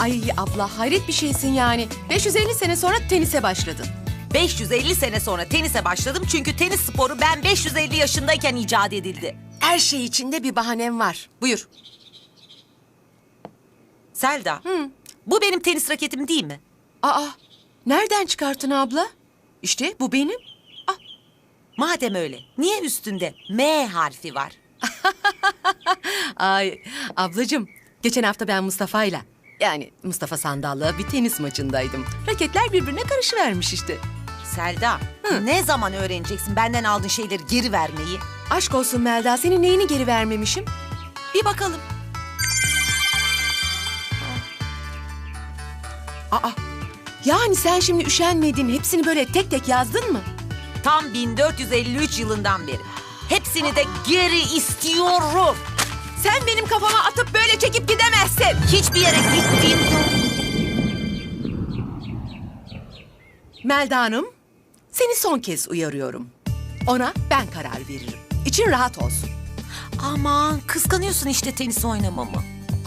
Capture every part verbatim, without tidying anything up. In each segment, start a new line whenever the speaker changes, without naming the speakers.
Ay abla hayret bir şeysin yani. beş yüz elli sene sonra tenise başladın.
beş yüz elli sene sonra tenise başladım çünkü tenis sporu ben beş yüz elli yaşındayken icat edildi.
Her şey içinde bir bahanem var. Buyur.
Selda, Hı. bu benim tenis raketim değil mi?
Aa, nereden çıkarttın abla? İşte bu benim.
Madem öyle, niye üstünde M harfi var?
Ay ablacığım, geçen hafta ben Mustafa'yla, yani Mustafa Sandal'la bir tenis maçındaydım. Raketler birbirine karışıvermiş işte.
Selda, Hı. ne zaman öğreneceksin benden aldığın şeyleri geri vermeyi?
Aşk olsun Melda, senin neyini geri vermemişim?
Bir bakalım.
Aa, yani sen şimdi üşenmedin, hepsini böyle tek tek yazdın mı?
Tam bin dört yüz elli üç yılından beri. Hepsini de geri istiyorum.
Sen benim kafama atıp böyle çekip gidemezsin.
Hiçbir yere gittiğim yok.
Melda Hanım, seni son kez uyarıyorum. Ona ben karar veririm. İçin rahat olsun.
Aman kıskanıyorsun işte tenis oynamamı.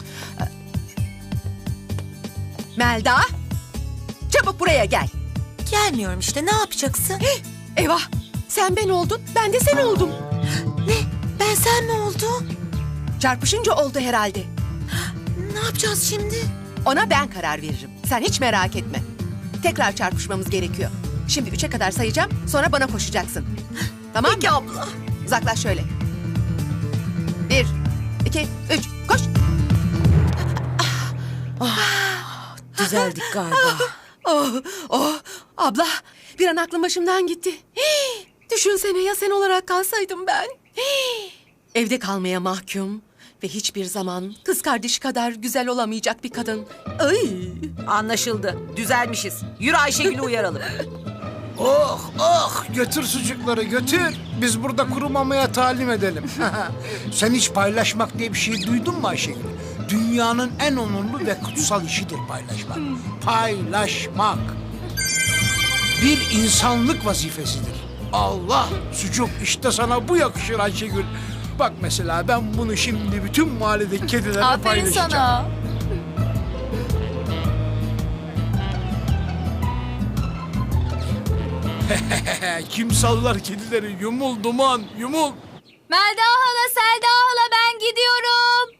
Melda, çabuk buraya gel.
Gelmiyorum işte, ne yapacaksın?
Hih, eyvah, sen ben oldun, ben de sen oldum.
Ne? Ben sen mi oldum?
Çarpışınca oldu herhalde.
Ne yapacağız şimdi?
Ona ben karar veririm. Sen hiç merak etme. Tekrar çarpışmamız gerekiyor. Şimdi üçe kadar sayacağım, sonra bana koşacaksın. Tamam
Peki
mı?
abla.
Uzaklaş şöyle. Bir, iki, üç, koş.
Düzeldik galiba.
Oh, oh, abla, bir an aklım başımdan gitti. Hii, düşünsene ya sen olarak kalsaydım ben. Hii, evde kalmaya mahkum ve hiçbir zaman kız kardeşi kadar güzel olamayacak bir kadın. Ay.
Anlaşıldı. Düzelmişiz. Yürü Ayşegül'ü uyaralım.
Oh oh götür sucukları götür. Biz burada kurumamaya talim edelim. Sen hiç paylaşmak diye bir şey duydun mu Ayşegül? Dünyanın en onurlu ve kutsal işidir paylaşmak. Paylaşmak. Bir insanlık vazifesidir. Allah sucuk işte sana bu yakışır Ayşegül. Bak mesela ben bunu şimdi bütün mahalledeki kedilerle
Aferin
paylaşacağım.
sana.
Kim sallar kedileri? Yumul duman, yumul.
Melda hala, Selda hala, ben gidiyorum.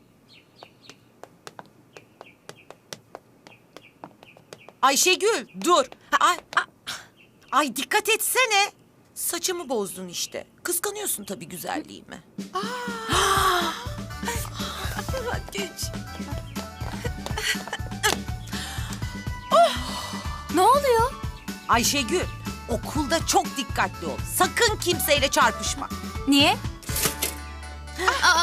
Ayşegül dur. Ay, ay, ay dikkat etsene. Saçımı bozdun işte. Kıskanıyorsun tabii güzelliğimi.
Geç.
Ne oluyor?
Ayşegül okulda çok dikkatli ol. Sakın kimseyle çarpışma.
Niye? Aa,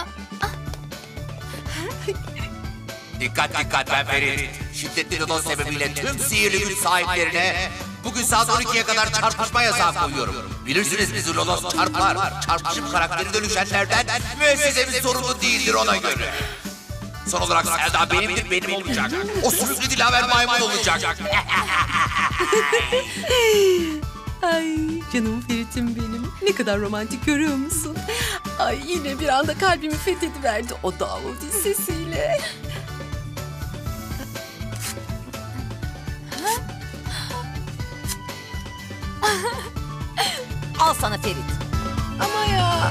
Dikkat dikkat ben Ferit. Şiddetli lodos sebebiyle tüm sihirli güç sahiplerine bugün saat on ikiye kadar çarpışma yasağı koyuyorum. Bilirsiniz bizi lodos çarpar. Çarpışıp karakteri dönüşenlerden müessesemiz sorumlu değildir ona göre. Son olarak Selda benimdir, benim olacak. O süslü dilaver maymun olacak.
Ay canım Ferit'im benim. Ne kadar romantik görüyor musun? Ay yine bir anda kalbimi fethediverdi o Davudi sesiyle.
Al sana Ferit.
Ama ya.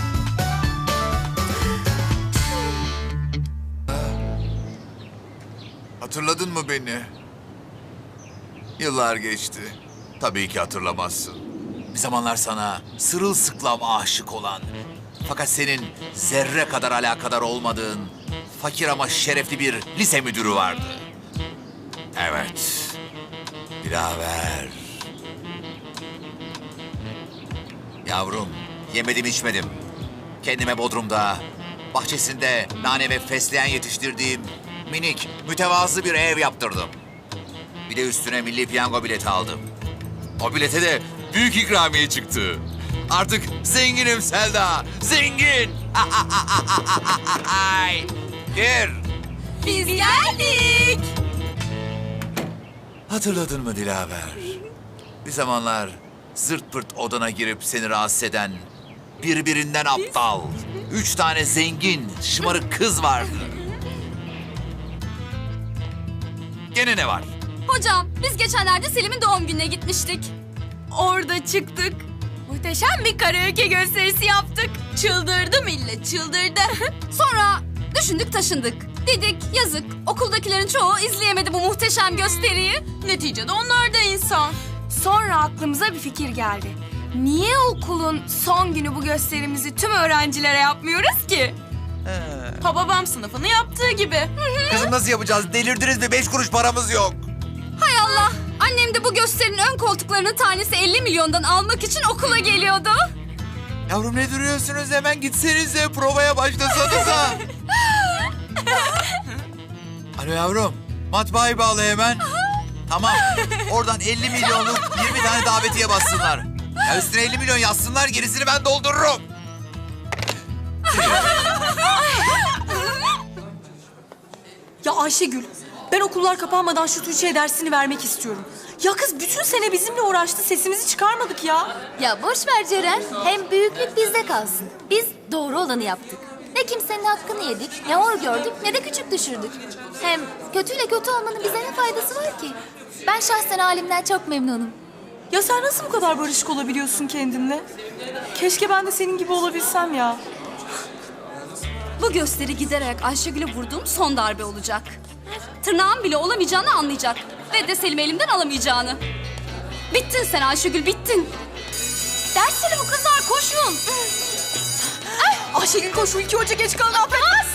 Hatırladın mı beni? Yıllar geçti. Tabii ki hatırlamazsın. Bir zamanlar sana sırılsıklam aşık olan, fakat senin zerre kadar alakadar olmadığın, fakir ama şerefli bir lise müdürü vardı. Evet, Dilaver. Yavrum, yemedim içmedim. Kendime Bodrum'da, bahçesinde nane ve fesleğen yetiştirdiğim minik, mütevazı bir ev yaptırdım. Bir de üstüne milli piyango bileti aldım. O bilete de büyük ikramiye çıktı. Artık zenginim Selda, zengin. Gir.
biz geldik.
Hatırladın mı Dilaver? Bir zamanlar zırt pırt odana girip seni rahatsız eden, birbirinden aptal, üç tane zengin, şımarık kız vardı.
Gene ne var?
Hocam biz geçenlerde Selim'in doğum gününe gitmiştik. Orada çıktık. Muhteşem bir karaoke gösterisi yaptık. Çıldırdı millet, çıldırdı. Sonra düşündük taşındık. Dedik yazık okuldakilerin çoğu izleyemedi bu muhteşem gösteriyi. Neticede onlar da insan.
Sonra aklımıza bir fikir geldi. Niye okulun son günü bu gösterimizi tüm öğrencilere yapmıyoruz ki?
Hababam sınıfını yaptığı gibi.
Kızım nasıl yapacağız? Delirdiniz mi? Beş kuruş paramız yok.
Hay Allah. Annem de bu gösterinin ön koltuklarının tanesi elli milyondan almak için okula geliyordu.
Yavrum ne duruyorsunuz? Hemen gitsenize. Provaya başlasanıza. Alo yavrum. Matbaayı bağla hemen. Tamam. Oradan elli milyonluk yirmi tane davetiye bassınlar. Ya üstüne elli milyon yazsınlar. Gerisini ben doldururum.
Ya Ayşegül, ben okullar kapanmadan şu Tuğçe'ye dersini vermek istiyorum. Ya kız bütün sene bizimle uğraştı, sesimizi çıkarmadık ya.
Ya boş ver Ceren. Hem büyüklük bizde kalsın. Biz doğru olanı yaptık. Ne kimsenin hakkını yedik, ne hor gördük, ne de küçük düşürdük. Hem kötüyle kötü olmanın bize ne faydası var ki? Ben şahsen halimden çok memnunum.
Ya sen nasıl bu kadar barışık olabiliyorsun kendinle? Keşke ben de senin gibi olabilsem ya.
Bu gösteri giderek Ayşegül'e vurduğum son darbe olacak. Tırnağım bile olamayacağını anlayacak. Ve de Selim'i elimden alamayacağını. Bittin sen Ayşegül, bittin. Dersleri bu kızlar, koşun.
Ayşegül koş, şu iki hoca geç kalın affetmez.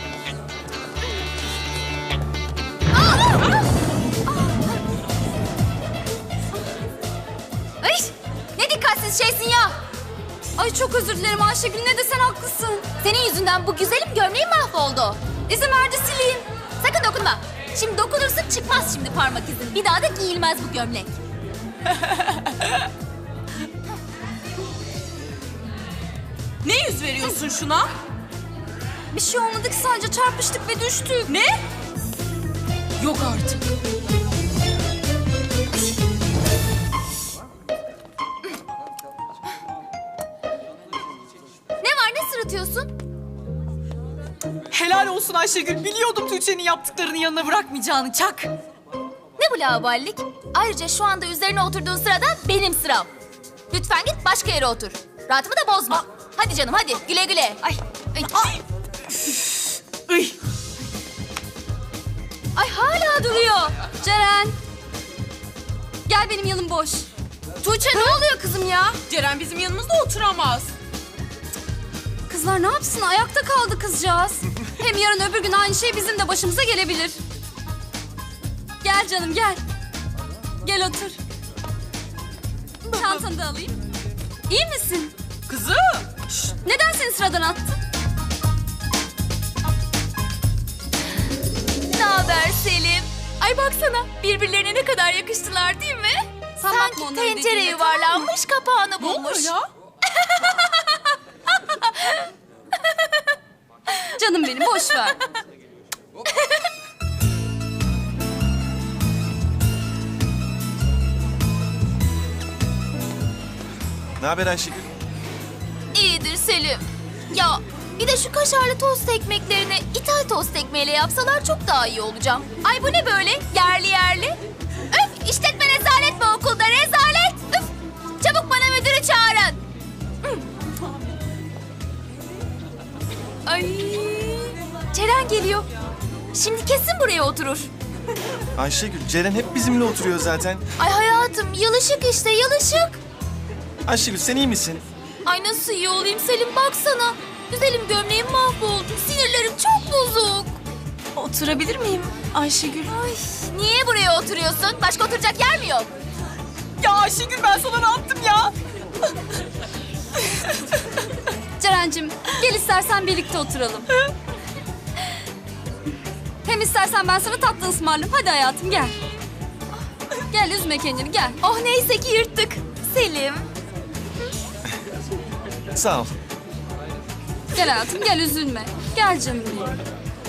Ay, ne dikkatsiz şeysin ya. Ay çok özür dilerim Ayşegül, ne de sen haklısın. Senin yüzünden bu güzelim gömleğim mahvoldu. İzin ver de sileyim. Sakın dokunma. Şimdi dokunursun çıkmaz şimdi parmak izin. Bir daha da giyilmez bu gömlek.
Ne yüz veriyorsun şuna?
Bir şey olmadı ki, sadece çarpıştık ve düştük.
Ne? Yok artık.
Ne var, ne sırıtıyorsun?
Helal olsun Ayşegül, biliyordum Tuğçe'nin yaptıklarını yanına bırakmayacağını, çak.
Ne bu laubalilik? Ayrıca şu anda üzerine oturduğun sırada benim sıram. Lütfen git başka yere otur. Rahatımı da bozma. Hadi canım hadi, güle güle. Ay, ay.
Ay. Ay.
Ay hala duruyor. Ceren. Gel, benim yanım boş. Tuğçe ne oluyor kızım ya?
Ceren bizim yanımızda oturamaz.
Kızlar ne yapsın? Ayakta kaldı kızcağız. Hem yarın öbür gün aynı şey bizim de başımıza gelebilir. Gel canım gel. Gel otur. Çantanı da alayım. İyi misin?
Kızım.
Şşt, neden seni sıradan attı? Ne haber Selim? Ay baksana, birbirlerine ne kadar yakıştılar değil mi? Sen
Sanki tencere
yuvarlanmış, kapağını bulmuş.
ya?
Canım benim, boş ver.
Ne haber Ayşegül?
İyidir Selim. Ya bir de şu kaşarlı tost ekmeklerini ithal tost ekmeğiyle yapsalar çok daha iyi olacağım. Ay bu ne böyle? Yerli yerli. Öf, işletme rezalet mi okulda? Rezalet. Üf. Çabuk bana müdürü çağırın. Ay. Ceren geliyor. Şimdi kesin buraya oturur.
Ayşegül, Ceren hep bizimle oturuyor zaten.
Ay hayatım, yılışık işte, yılışık.
Ayşegül sen iyi misin?
Ay nasıl iyi olayım Selim, baksana. Güzelim gömleğim mahvoldu. Sinirlerim çok bozuk.
Oturabilir miyim Ayşegül?
Ay, niye buraya oturuyorsun? Başka oturacak yer mi yok?
Ya Ayşegül, ben sana ne yaptım ya?
Ceren'cim gel, istersen birlikte oturalım. Hem istersen ben sana tatlı ısmarlayayım. Hadi hayatım gel. Gel, üzme kendini, gel. Oh neyse ki yırttık. Selim.
Sağ ol.
Gel hayatım, gel, üzülme. Gel canım benim.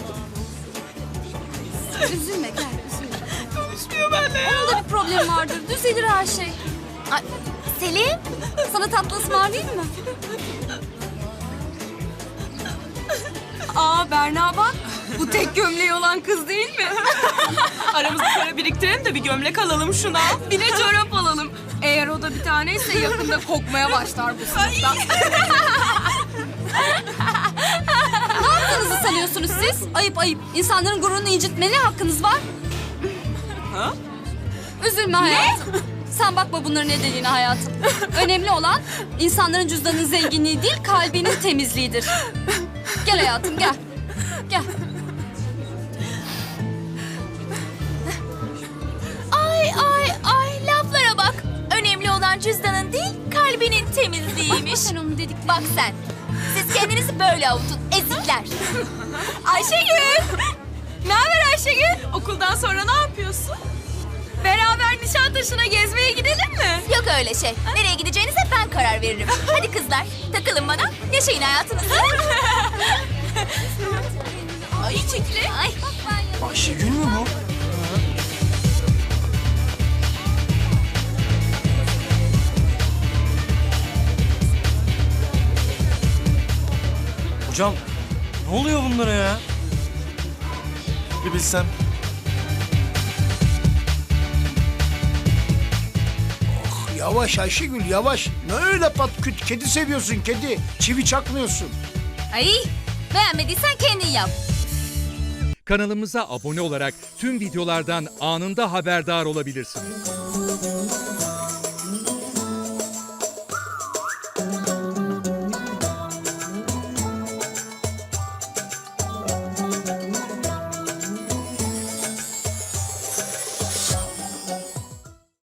Üzülme, gel, üzülme.
Konuşmuyor benimle ya.
Onun da bir problemi vardır. Düzelir her şey. Ay, Selim, sana tatlı ısmarlayayım mı?
Aa Berna bak. Bu tek gömleği olan kız değil mi? Aramızda para biriktirelim de bir gömlek alalım şuna. Bir de çorap alalım. Eğer o da bir taneyse yakında kokmaya başlar bu sınıfta.
Ne yaptığınızı sanıyorsunuz siz? Ayıp ayıp. İnsanların gururunu incitmeye hakkınız var.
Ha?
Üzülme hayatım. Sen bakma bunların ne dediğine hayatım. Önemli olan insanların cüzdanının zenginliği değil, kalbinin temizliğidir. Gel hayatım gel. Gel.
Ay ay ay laflara bak. Önemli olan cüzdanın değil kalbinin temizliğiymiş.
Sen onu dedik.
Bak sen. Siz kendinizi böyle avutun ezikler. Ayşegül.
Ne haber Ayşegül? Okuldan sonra ne yapıyorsun? Beraber Nişantaşı'na gezmeye gidelim mi?
Yok öyle şey. Nereye gideceğinize ben karar veririm. Hadi kızlar takılın bana. Yaşayın hayatınızı. Ay çekili. Ay.
Ayşegül mü bu? Hocam ne oluyor bunlara ya? Bir bilsem.
Yavaş Ayşegül yavaş. Ne öyle patküt? Kedi seviyorsun kedi. Çivi çakmıyorsun.
Ay beğenmediysen kendin yap.
Kanalımıza abone olarak tüm videolardan anında haberdar olabilirsiniz.